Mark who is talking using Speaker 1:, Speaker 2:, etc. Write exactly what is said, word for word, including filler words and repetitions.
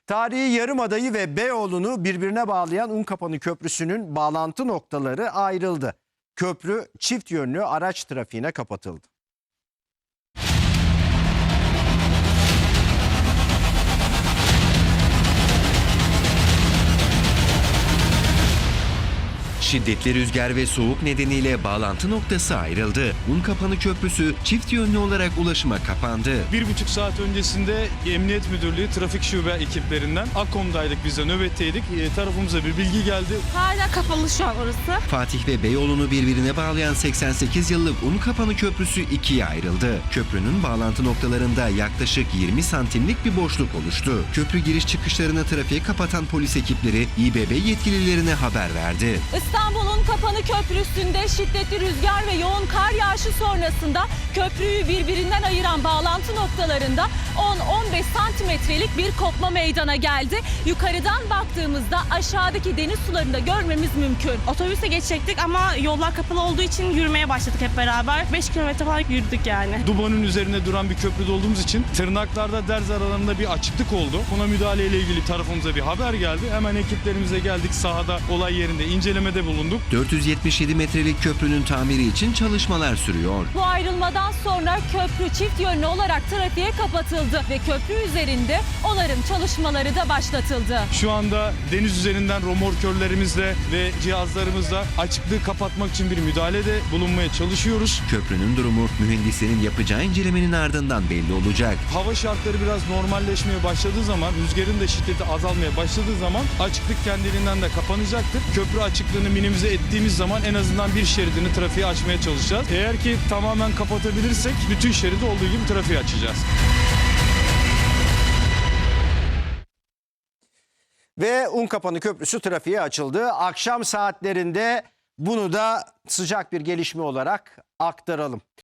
Speaker 1: Tarihi Yarımada'yı ve Beyoğlu'nu birbirine bağlayan Unkapanı Köprüsü'nün bağlantı noktaları ayrıldı. Köprü çift yönlü araç trafiğine kapatıldı.
Speaker 2: Şiddetli rüzgar ve soğuk nedeniyle bağlantı noktası ayrıldı. Unkapanı Köprüsü çift yönlü olarak ulaşıma kapandı.
Speaker 3: Bir buçuk saat öncesinde Emniyet Müdürlüğü Trafik Şube ekiplerinden Akkom'daydık, biz de nöbetteydik. E, tarafımıza bir bilgi geldi.
Speaker 4: Hala kapalı şu an orası.
Speaker 2: Fatih ve Beyoğlu'nu birbirine bağlayan seksen sekiz yıllık Unkapanı Köprüsü ikiye ayrıldı. Köprünün bağlantı noktalarında yaklaşık yirmi santimlik bir boşluk oluştu. Köprü giriş çıkışlarını trafiğe kapatan polis ekipleri İ B B yetkililerine haber verdi.
Speaker 5: İstanbul'un Kapanı Köprüsü'nde şiddetli rüzgar ve yoğun kar yağışı sonrasında köprüyü birbirinden ayıran bağlantı noktalarında on on beş santimetrelik bir kopma meydana geldi. Yukarıdan baktığımızda aşağıdaki deniz sularını da görmemiz mümkün.
Speaker 4: Otobüse geçecektik ama yollar kapalı olduğu için yürümeye başladık hep beraber. beş kilometre falan yürüdük yani.
Speaker 3: Dubanın üzerinde duran bir köprüde olduğumuz için tırnaklarda derz aralarında bir açıklık oldu. Buna müdahaleyle ilgili tarafımıza bir haber geldi. Hemen ekiplerimize geldik, sahada olay yerinde incelemede bulunduk.
Speaker 2: dört yüz yetmiş yedi metrelik köprünün tamiri için çalışmalar sürüyor.
Speaker 5: Bu ayrılmadan sonra köprü çift yönlü olarak trafiğe kapatıldı ve köprü üzerinde onarım çalışmaları da başlatıldı.
Speaker 3: Şu anda deniz üzerinden romorkörlerimizle ve cihazlarımızla açıklığı kapatmak için bir müdahalede bulunmaya çalışıyoruz.
Speaker 2: Köprünün durumu mühendislerin yapacağı incelemenin ardından belli olacak.
Speaker 3: Hava şartları biraz normalleşmeye başladığı zaman, rüzgarın da şiddeti azalmaya başladığı zaman açıklık kendiliğinden de kapanacaktır. Köprü açıklığını minimize ettiğimiz zaman en azından bir şeridini trafiğe açmaya çalışacağız. Eğer ki tamamen kapatabilirsek bütün şeridi olduğu gibi trafiğe açacağız.
Speaker 1: Ve Unkapanı Köprüsü trafiğe açıldı. Akşam saatlerinde bunu da sıcak bir gelişme olarak aktaralım.